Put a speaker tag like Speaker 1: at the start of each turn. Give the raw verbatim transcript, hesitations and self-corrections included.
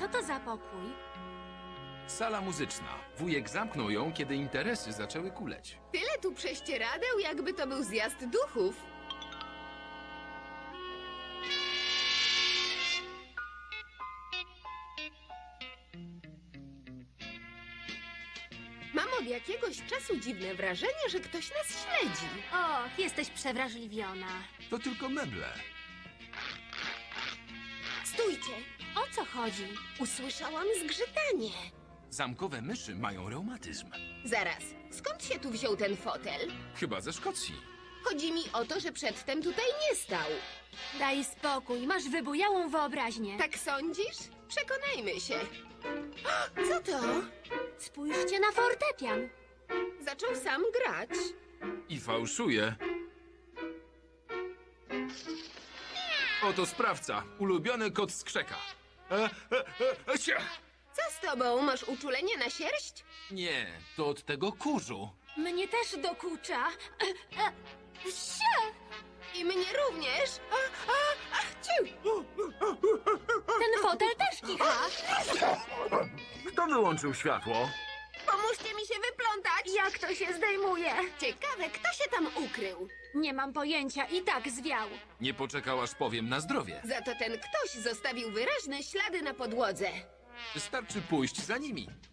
Speaker 1: Co to za pokój?
Speaker 2: Sala muzyczna. Wujek zamknął ją, kiedy interesy zaczęły kuleć.
Speaker 3: Tyle tu prześcieradeł, jakby to był zjazd duchów. Mam od jakiegoś czasu dziwne wrażenie, że ktoś nas śledzi.
Speaker 1: Och, jesteś przewrażliwiona.
Speaker 2: To tylko meble.
Speaker 3: Stójcie!
Speaker 1: O co chodzi?
Speaker 3: Usłyszałam zgrzytanie.
Speaker 2: Zamkowe myszy mają reumatyzm.
Speaker 3: Zaraz, skąd się tu wziął ten fotel?
Speaker 2: Chyba ze Szkocji.
Speaker 3: Chodzi mi o to, że przedtem tutaj nie stał.
Speaker 1: Daj spokój, masz wybujałą wyobraźnię.
Speaker 3: Tak sądzisz? Przekonajmy się. O, co to?
Speaker 1: Spójrzcie na fortepian.
Speaker 3: Zaczął sam grać.
Speaker 2: I fałszuje. Oto sprawca. Ulubiony kot skrzeka. E, e, e, e, cia!
Speaker 3: Co z tobą? Masz uczulenie na sierść?
Speaker 2: Nie, to od tego kurzu.
Speaker 1: Mnie też dokucza. E, e, sie!
Speaker 3: I mnie również. A, a, a, ciu.
Speaker 1: Ten fotel też kicha.
Speaker 2: Kto wyłączył światło?
Speaker 3: Pomóżcie mi się wyplątać.
Speaker 1: Jak to się zdejmuje?
Speaker 3: Ciekawe, kto się tam ukrył.
Speaker 1: Nie mam pojęcia, i tak zwiał.
Speaker 2: Nie poczekał, aż powiem na zdrowie.
Speaker 3: Za to ten ktoś zostawił wyraźne ślady na podłodze.
Speaker 2: Wystarczy pójść za nimi.